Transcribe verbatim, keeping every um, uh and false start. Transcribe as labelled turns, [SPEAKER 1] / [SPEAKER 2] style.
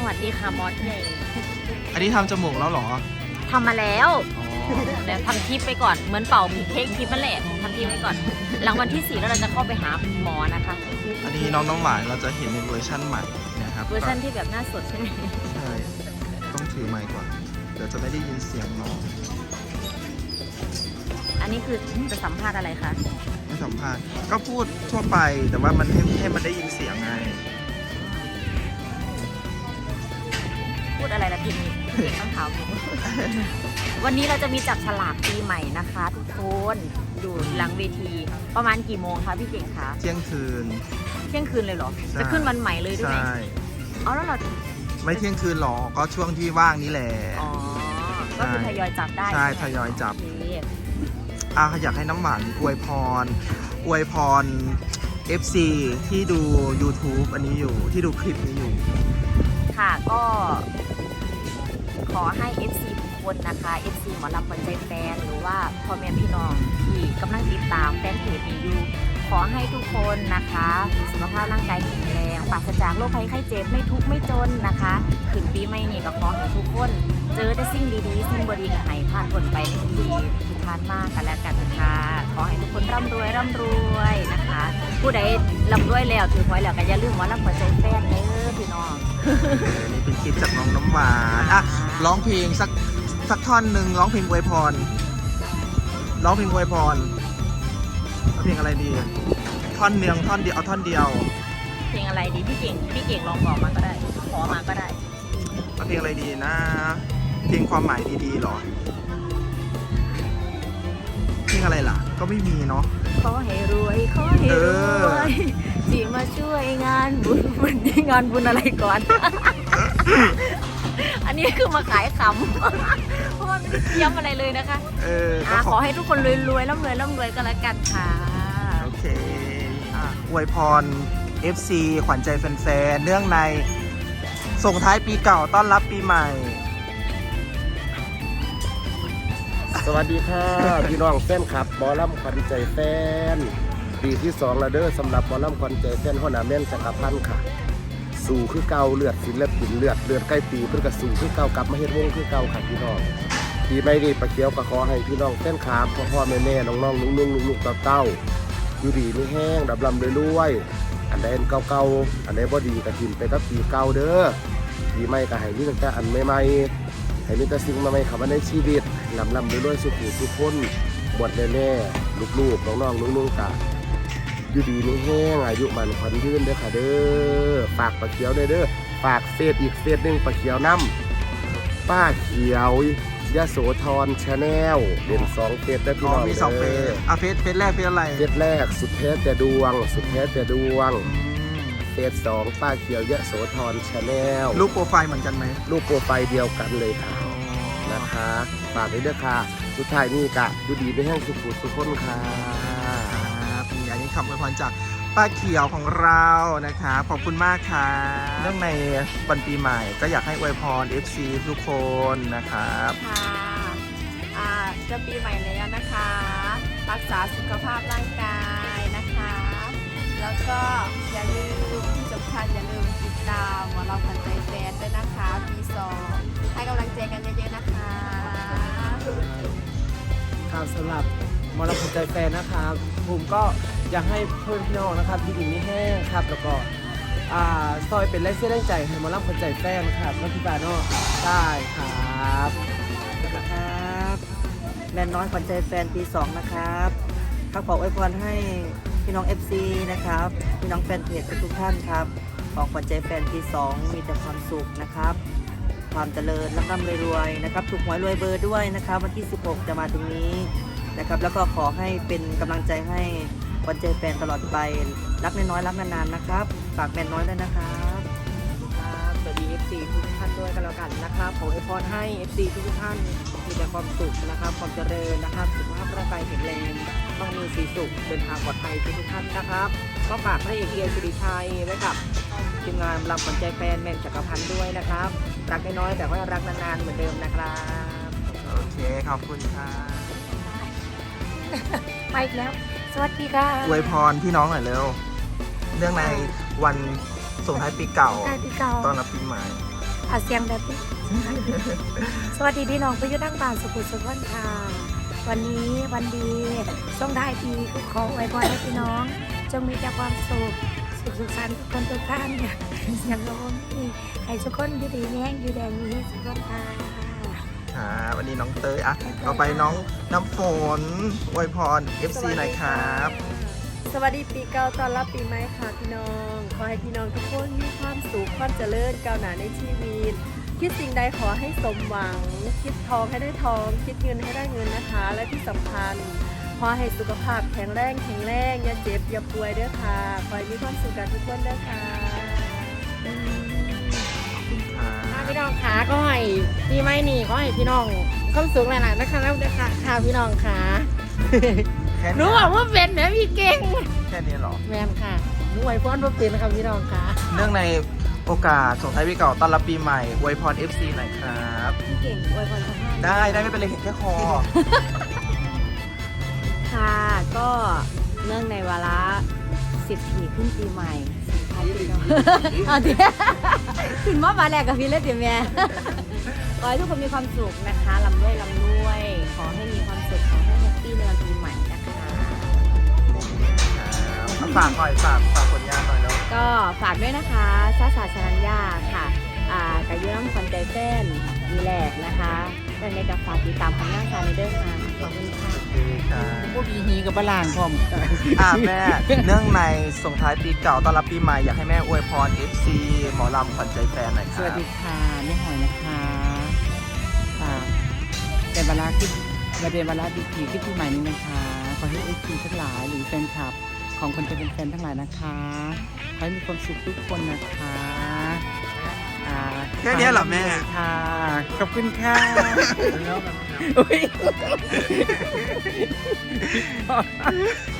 [SPEAKER 1] วัสดีค่ะมอสใหญ่
[SPEAKER 2] อันนี้ทำจมูกแล้วเหรอ
[SPEAKER 1] ทำมาแล้วแล้วทำทิปไปก่อนเหมือนเป่าเค้กทิปนั่นแหละทำทิปไปก่อน หลังวันที่สี่แล้วเราจะเข้าไปหาหมอนะคะ
[SPEAKER 2] อันนี้น้องน้ำหวานเราจะเห็นในเวอร์ชั่นใหม่นะครับ
[SPEAKER 1] เวอร์ชันที่แบบหน้าสดใช่ไหม
[SPEAKER 2] ใช่ต้องถือไมค์ก่อนเดี๋ยวจะไม่ได้ยินเสียงน้อง
[SPEAKER 1] อันนี้คือจะสัมภาษณ์อะไรคะ
[SPEAKER 2] ไม่สัมภาษณ์ก็พูดทั่วไปแต่ว่ามันให้ให้มันได้ยินเสียงไง
[SPEAKER 1] พูดอะไรละทีนี้เก่งต้องถามหนู วันนี้เราจะมีจับฉลากปีใหม่นะคะ ทุกคนอยู่หลังเวทีประมาณกี่โมงคะพี่เก่งคะ
[SPEAKER 2] เที่ยงคืน
[SPEAKER 1] เที่ยงคืนเลยเหรอ
[SPEAKER 2] ใช่
[SPEAKER 1] จะขึ้นวันใหม่เลยด้วยไหม
[SPEAKER 2] ใช่
[SPEAKER 1] เอาแล้วเรา
[SPEAKER 2] ไม่เที่ยงคืนหรอกก็ช่วงที่ว่างนี่แหละ
[SPEAKER 1] อ๋อก็คือทยอยจับได้
[SPEAKER 2] ใช่
[SPEAKER 1] ไหม
[SPEAKER 2] ทยอยจับ
[SPEAKER 1] โอเค
[SPEAKER 2] อ่ะอยากให้น้ำหวานอวยพรอวยพร เอฟ ซี ที่ดู YouTube อันนี้อยู่ที่ดูคลิปนี้อยู่
[SPEAKER 1] ค่ะก็ขอให้ เอฟ ซี ทุกคนนะคะ เอฟ ซี หมอลำขวัญใจแฟนหรือว่าพ่อแม่พี่น้องที่กำลังติดตามแฟนเพจนี้อยู่ขอให้ทุกคนนะคะมีสุขภาพร่างกายแข็งแรงปราศจากโรคภัยไข้เจ็บไม่ทุกข์ไม่จนนะคะขึ้นปีใหม่นี้ก็ขอให้ทุกคนเจอแต่สิ่งดีๆสิ่งบดีก็ให้ผ่านพ้นไปในทุกปีที่ผ่านมากันแล้วกันนะคะขอให้ทุกคนร่ำรวยร่ำรวยนะคะ ผู้ใดร่ำรวยแล้วถือหวยแล้วก็อย่าลืมหมอลำขวัญใจแฟนเด้อพี่น้อง
[SPEAKER 2] นี่เป็นคลิปจากน้องน้ำหวานอ่ะร้องเพลงสักสักท่อนหนึ่งร้องเพลงอวยพรร้องเพลงอวยพรเอาเพลงอะไรดีท่อนเนียงท่อนเดียวเอาท่อนเดียว
[SPEAKER 1] เพลงอะไรดีพี่เก่งพี่เก่งลองบอกมาก็ได้ขอมาก็ได้
[SPEAKER 2] เอาเพลงอะไรดีนะเพลงความหมายดีๆหรอเพลงอะไรล่ะ ก็ไม่มีเนาะ
[SPEAKER 1] ขอให้รวยขอให้รวยที่มาช่วยงานบุญวันนี้งานบุญอะไรก่อน อันนี้คือมาขายขำ เพราะว่าไม่ได้เตรียมอะไรเลยนะคะ
[SPEAKER 2] เออก็
[SPEAKER 1] อ่ะ
[SPEAKER 2] ข
[SPEAKER 1] ข
[SPEAKER 2] อ
[SPEAKER 1] อให้ทุกคนรวยๆร่ำรวยร่ำรวยกันละกันค่ะ
[SPEAKER 2] โอเคอ่ะอวยพร เอฟ ซี ขวัญใจแฟนๆเนื่องในส่งท้ายปีเก่าต้อนรับปีใหม่
[SPEAKER 3] สวัสดีค่ะ พี่น้องแฟนคลับหมอลำขวัญใจแฟนปีที่สองแล้วเด้อสำหรับหมอลำขวัญใจแฟนหัวหน้าแม่นจักรพันธ์ค่ะ สู่คือเก่าเลือดศิลปินเลือดเลือดใกล้ปีเพื่อกระสู่คือเก่ากลับมาเฮ็ดวงคือเก่าค่ะพี่น้องปีไม่ดีประเคียวก็ขอให้พี่น้องแฟนคลับพ่อพ่อแม่แม่น้องน้องลุงลุงลุงลูกเต้าๆอยู่ดีไม่แห้งดับลำรวยๆอันใดอันเก่าๆอันใดบ่ดีก็ทิมไปกับปีเก่าเด้อปีใหม่ก็ให้มีตั้งแต่อันใหม่ๆให้มีแต่สิ่งใหม่ๆเข้ามาในชีวิตลำลำรวยๆสุขุสุขคนบวชแน่ๆลูกๆน้องน้องลุงลุงกะอยู่ดีไม่แห้งอายุมันขวัญยืนเด้อค่ะเด้อฝากปลาเขียวเด้อเด้อฝากเฟซอีกเฟซหนึ่งปลาเขียวน้ำป้าเขียวยะโสธรชาแนลเป็นสองเฟซได้อพี่
[SPEAKER 2] อ๋อ
[SPEAKER 3] น้อง
[SPEAKER 2] มีสองเฟสอ่ะเฟสเฟสแรกเฟสอะไร
[SPEAKER 3] เฟซแรกสุดแท้แต่ดวง สุดแท้แต่ดวง
[SPEAKER 2] อืม
[SPEAKER 3] เฟซสองป้าเขียวยะโสธรชาแนล
[SPEAKER 2] รูปโปรไฟล์เหมือนกันไหม
[SPEAKER 3] รูปโปรไฟล์เดียวกันเลยค่ะนะคะฝากด้วยเด้อค่ะสุดท้ายนี่กะอยู่ดีไม่แห้งสุขุสุขคนค่ะ
[SPEAKER 2] ครับมีอันนี้คำอวยพรจากป้าเขียวของเรานะครับขอบคุณมากค่ะเรื่องในวันปีใหม่ก็อยากให้อวยพร เอฟ ซี ทุกคนนะครับ
[SPEAKER 4] ค่ะอ่าจะปีใหม่แล้วนะคะ รักษาสุขภาพร่างกายนะคะ แล้วก็อย่าลืมที่สำคัญอย่าลืมติดตามหมอลำขวัญใจแฟนด้วยนะคะปีสองให้กำลังใจกันเยอะๆนะคะ
[SPEAKER 5] ครับสำหรับหมอลำขวัญใจแฟนนะครับผมก็อยากให้เพื่อนพี่น้องนะครับที่ดีไม่แห้งครับแล้วก็อ่าซอยเป็นแรงเสียแรงใจให้หมอลำขวัญใจแฟนครับน้องพี่บาโน่ได้ครับ
[SPEAKER 6] นะครับแมนน้อยขวัญใจแฟนปีสองนะครับข้าขออวยพรให้พี่น้อง เอฟ ซี นะครับพี่น้องแฟนเพจทุกท่านครับของขวัญใจแฟนปีสองมีแต่ความสุขนะครับความเจริญร่ำร่ำรวยๆนะครับถูกหวยรวยเบอร์ด้วยนะครับวันที่สิบหกจะมาถึงนี้นะครับแล้วก็ขอให้เป็นกำลังใจให้ขวัญใจแฟนตลอดไปรักน้อยๆรักนานๆนะครับฝากแมนน้อยด้วยนะครับ
[SPEAKER 5] ครับสวัสดี เอฟ ซี ทุกท่านด้วยกันแล้วกันนะครับขออวยพรให้ เอฟ ซี ทุกท่านมีแต่ความสุขนะครับความเจริญนะครับสุขภาพร่างกายแข็งแรงต้องมีสีสุขเดินทางปลอดภัยทุกท่านนะครับก็ฝากพระเอกเอียสิริชัยไว้กับทีมงานลำขวัญใจแฟนแมนจักรพันธ์ด้วยนะครับรักน้อยๆแต่ว่ารักนานๆเหมือนเดิมนะครับ
[SPEAKER 2] โอเคขอบคุณค่ะ
[SPEAKER 1] มาอีกแล้ว สวัสดีค่ะ
[SPEAKER 2] อวยพรพี่น้องหน่อยเร็วเรื่องในวันส่งท้ายปีเก่า
[SPEAKER 1] ใกล้ปีเก่า
[SPEAKER 2] ต้อนรับปีใหม่
[SPEAKER 1] อาเสียงแบบนี้ สวัสดีพี่น้องไปอยุตั้งบ้านสุขุมสุขนค่ะวันนี้วันดีส่งท้ายปีก็ขอไว้พรให้พี่น้องจงมีแต่ความสุขสุขสุขสันต์ทุกคนทุกท่านเนี่ยเสียงลมนี่ให้ทุกคนอยู่ดีแห้งอยู่แดงนี้สุขคนค่ะ
[SPEAKER 2] ค่ะวันนี้น้องเตยอ่ะต่อไปน้องน้ำฝนอวยพร เอฟ ซี หน่อยครับ
[SPEAKER 4] สวัสดีปีเก่าต้อนรับปีใหม่ค่ะพี่น้อง ขอให้พี่น้องทุกคนมีความสุขความเจริญก้าวหน้าในชีวิต คิดสิ่งใดขอให้สมหวัง คิดทองให้ได้ทอง คิดเงินให้ได้เงินนะคะ และที่สำคัญขอให้สุขภาพแข็งแรงแข็งแรงอย่าเจ็บอย่าป่วยเด้อค่ะ ขอให้มีความสุขกันทุกคนเด้อค่ะ
[SPEAKER 5] ค่ะพี่น้องขาก็ให้ปีใหม่นี่ก็ให้พี่น้องความสุขหลายๆนะคะแล้วนะคะค่ะพี่น้องขา
[SPEAKER 2] แค่
[SPEAKER 5] หนู
[SPEAKER 2] นี้
[SPEAKER 5] บอกว่าเป็นนะพี่เก่ง
[SPEAKER 2] แค่นี้เหรอ
[SPEAKER 5] แมนค่ะหนูไหวพรว่าเป็นนะคะพี่น้องขา
[SPEAKER 2] เนื่องในโอกาสส่งท้ายปีเก่าต้อนรับปีใหม่อวยพร เอฟ ซี หน่อยครับ
[SPEAKER 1] พี่เก่งอวยพรทุกท่าน
[SPEAKER 2] ได้ได้ไม่เป็นไรเห็นแค่คอ
[SPEAKER 1] ค่ะก็เนื่องในวาระสิบปีขึ้นปีใหม่สิบท้ายปีเก่าเอาทีขึ้นมาบาแรกกับพี่เล่นเดี๋ยวแม่ ขอให้ทุกคนมีความสุขนะคะลำด้วยลำด้วย ขอให้มีความสุขขอให้แฮปปี้ในวันปีใหม่นะคะ
[SPEAKER 2] ครับฝากหน่อยฝากฝากผลงานหน่อยแล้ว
[SPEAKER 1] ก็ฝากด้วยนะคะซาสาชนัญญาค่ะอ่ากายุน้ำคนใจเต้นดีแลกนะคะเรื่องในกับฝากติดตามผลงานการในเดินทางขอบคุณค่ะ
[SPEAKER 2] โอเคครับ
[SPEAKER 5] พวกพีฮีกับปลางพร้อม
[SPEAKER 2] อ่าแม่ เนื่องในส่งท้ายปีเก่าต้อนรับปีใหม่อยากให้แม่อวยพร เอฟ ซี หมอลำขวัญใจแฟนหน่อยค
[SPEAKER 5] ส
[SPEAKER 2] รับ
[SPEAKER 5] วัสดีค่ะแม่หอยนะคะค่ะเป็นเวลาคิดประเด็นเวลาดีผีที่ปีใหม่นี้นะคะ ขอให้เอฟซีทั้งหลายหรือแฟนคลับ ของคนจะเป็นแฟนทั้งหลายนะคะขอให้มีความสุขทุกคนนะคะอ่า
[SPEAKER 2] แค่เนี้ยเหรอแม่
[SPEAKER 5] ค่ะ ขอบคุณค่ะอุ๊ย